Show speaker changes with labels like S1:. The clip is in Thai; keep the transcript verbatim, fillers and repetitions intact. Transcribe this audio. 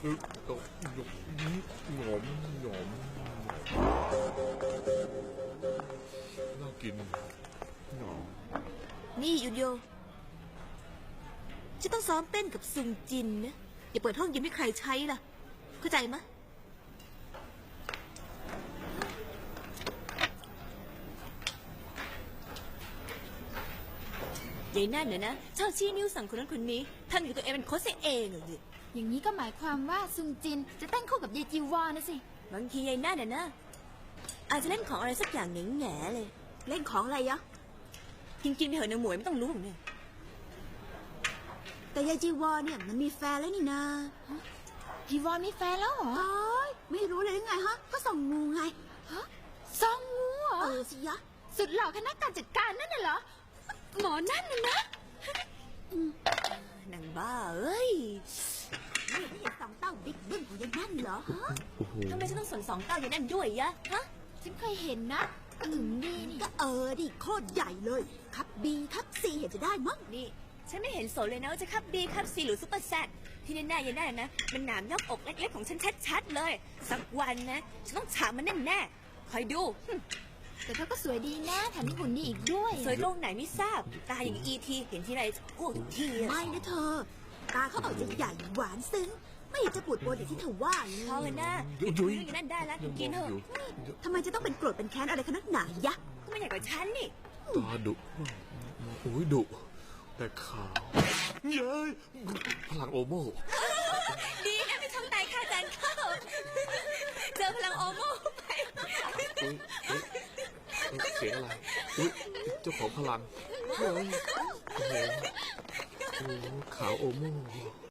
S1: ตกหยกหยมหยมน่ากินหยอม
S2: นี่ยูโยจะต้องซ้อมเต้นกับซุงจินนะอย่าเปิดห้องยิมให้ใครใช้ล่ะเข้าใจไหมยายนั่นเนี่ยนะชอบชี้นิ้วสั่งคนนั้นคนนี้ท่านกับตัวเองเป็นโค้ชเองเหรอดิ
S3: อย่างนี้ก็หมายความว่าซุงจินจะเต้นคู่กับเยจีวานะสิ
S2: บางทียายนั่นน่ะนะอาจจะเล่นของอะไรสักอย่างแง่แง่เลยเล่นของอะไรยะกินกินไปเถอะนางหมวยไม่ต้องรู้หรอกเนี่ยแต่ยายจีวรเนี่ยมันมีแฟนแล้วนี่นา
S3: จีวรมีแฟนแล้วเหรอ
S2: ไม่รู้เลยไงฮะก็ส่องงูไง
S3: ฮะซองงูเหรอ
S2: เออสิยะ
S3: สุดหล่อคณะการจัดการนั่นน่ะเหรอหมอนั่นน่ะนะ
S2: นางบ้าเอ้ยนี่ไม่เห็นสองเต้าบิ๊กบึ้มของยายนั่นเหรอฮะทำไมฉันต้องสนสองเต้ายายนั่นด้วยยะฮะ
S3: ฉันเคยเห็นนะถึงดีนี่
S2: ก็เออดิโคตรใหญ่เลยครับบีครับซีเห็นจะได้มั้งนี่ฉันไม่เห็นสนเลยนะว่าจะครับบีครับซีหรือซุปเปอร์แซดที่แน่ๆยายนั่นนะมันหนามยอกอกเล็กๆของฉันชัดๆเลยสักวันนะฉันต้องฉาบมันแน่ๆคอยดู
S3: แต่เธอก็สวยดีนะแถมมีหุ่นดีอีกด้วย
S2: สวยตรงไหนไม่ทราบตาอย่างอีทีเห็นที่ไรอ้วกทุกทีไม่นะเธอตาเขาออกจะใหญ่หวานซึ้งไม่อยากจะปวดปวดอย่างที่เธอว่าเลยพอกันนะหยุดคุยอย่างนั้นได้แล้วกินเถอะทำไมจะต้องเป็นโกรธเป็นแค้นอะไรขนาดไหนยะก็ไม่ใหญ่กว่าฉันนี่
S1: ตาดุโอ้ยดุแต่ขาวเย้ยพลังโอโม่
S2: ดีนะไม่ทำตายข้าจันเข้าเจอพลังโอโม่ไป
S1: เสียงอะไรเจ้าของพลังเฮ้ยโอ้โหขาวโอโม่